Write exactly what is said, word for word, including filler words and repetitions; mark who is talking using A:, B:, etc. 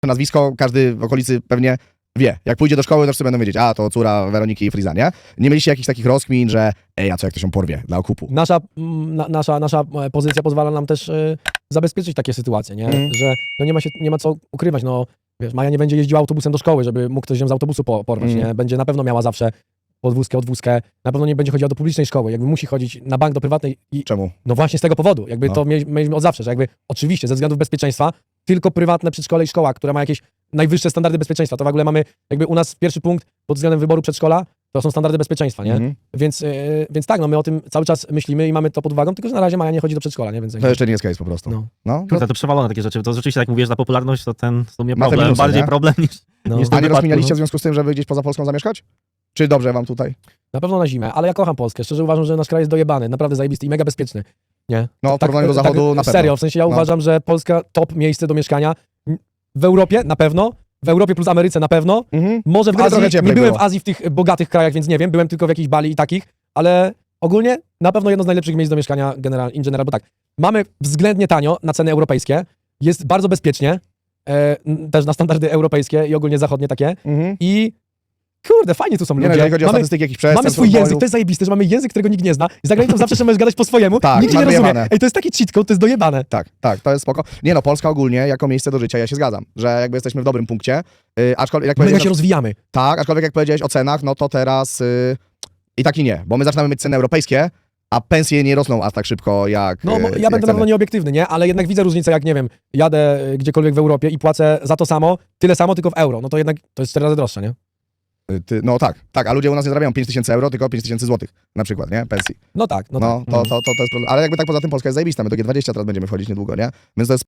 A: nazwisko, każdy w okolicy pewnie wie. Jak pójdzie do szkoły, to wszyscy będą wiedzieć, a to córa Weroniki i Friza, nie? Nie mieliście jakichś takich rozkmin, że ej, a co jak to się porwie dla okupu?
B: Nasza, mm, na, nasza, nasza pozycja pozwala nam też y, zabezpieczyć takie sytuacje, nie?
A: Mm.
B: Że no nie, ma się, nie ma co ukrywać, no wiesz, Maja nie będzie jeździła autobusem do szkoły, żeby mógł ktoś ją z autobusu po, porwać,
A: Mm.
B: nie? Będzie na pewno miała zawsze podwózkę, odwózkę, na pewno nie będzie chodziła do publicznej szkoły, jakby musi chodzić na bank do prywatnej i
A: Czemu?
B: no właśnie z tego powodu, jakby
A: No.
B: to mieli- mieliśmy od zawsze, że jakby oczywiście ze względów bezpieczeństwa tylko prywatne przedszkole i szkoła, która ma jakieś najwyższe standardy bezpieczeństwa, to w ogóle mamy jakby u nas pierwszy punkt pod względem wyboru przedszkola, to są standardy bezpieczeństwa, nie?
A: Mhm.
B: Więc, yy, więc tak, no my o tym cały czas myślimy i mamy to pod uwagą, tylko że na razie Maja nie chodzi do przedszkola, nie? Więc
A: To jeszcze nie jest case po prostu.
B: No.
A: No.
C: Kurde, to przewalone takie rzeczy. To rzeczywiście, jak mówisz, na popularność, to ten w sumie
A: Ma te
C: problem.
A: minusy,
C: Bardziej
A: nie?
C: problem niż,
B: No.
C: niż w
A: A
C: tym
A: nie
C: wypadku,
A: rozkminialiście
C: no.
A: w związku z tym, żeby gdzieś poza Polską zamieszkać? Czy dobrze wam tutaj?
B: Na pewno na zimę, ale ja kocham Polskę. Szczerze uważam, że nasz kraj jest dojebany, naprawdę zajebisty i mega bezpieczny. Nie?
A: No, w porównaniu do Zachodu na pewno.
B: Serio, w sensie ja
A: No.
B: uważam, że Polska top miejsce do mieszkania. W Europie na pewno, w Europie plus Ameryce na pewno.
A: Mhm.
B: Może w
A: Ale trochę
B: Azji,
A: cieplej
B: nie byłem
A: było.
B: w Azji w tych bogatych krajach, więc nie wiem, byłem tylko w jakichś Bali i takich, ale ogólnie na pewno jedno z najlepszych miejsc do mieszkania general, in general, bo tak, mamy względnie tanio na ceny europejskie, jest bardzo bezpiecznie, e, n- też na standardy europejskie i ogólnie zachodnie takie
A: Mhm.
B: i kurde, fajnie tu są
A: Nie, no,
B: ludzie.
A: jeżeli chodzi o
B: mamy,
A: statystyki jakichś przestępstw,
B: mamy swój
A: rozwoju.
B: język, to jest zajebiste, że mamy język, którego nikt nie zna. Z zagranicą zawsze możesz gadać po swojemu,
A: Tak,
B: nikt cię nie
A: masz
B: rozumie.
A: wyjebane.
B: Ej, to jest taki cheat code, to jest dojebane.
A: Tak, tak, to jest spoko. Nie no, Polska ogólnie jako miejsce do życia, ja się zgadzam, że jakby jesteśmy w dobrym punkcie, yy, aczkolwiek jak
B: My
A: powiedziałeś,
B: się rozwijamy.
A: tak, aczkolwiek jak powiedziałeś o cenach, no to teraz yy, i tak i nie, bo my zaczynamy mieć ceny europejskie, a pensje nie rosną aż tak szybko jak
B: No,
A: yy,
B: mo-
A: jak
B: ja będę na
A: ceny.
B: pewno nieobiektywny, nie? Ale jednak widzę różnicę, jak nie wiem, jadę y, gdziekolwiek w Europie i płacę za to samo, tyle samo, tylko w euro. No to jednak to jest cztery razy droższe, nie?
A: Yy, Ty, no tak, tak, a ludzie u nas nie zarabiają pięć tysięcy euro, tylko pięć tysięcy złotych na przykład, nie, pensji.
B: No tak, no,
A: No,
B: tak.
A: to,
B: Mhm.
A: to, to, to jest problem. Ale jakby tak poza tym Polska jest zajebista, my do G dwadzieścia teraz będziemy wchodzić niedługo, nie? Więc to jest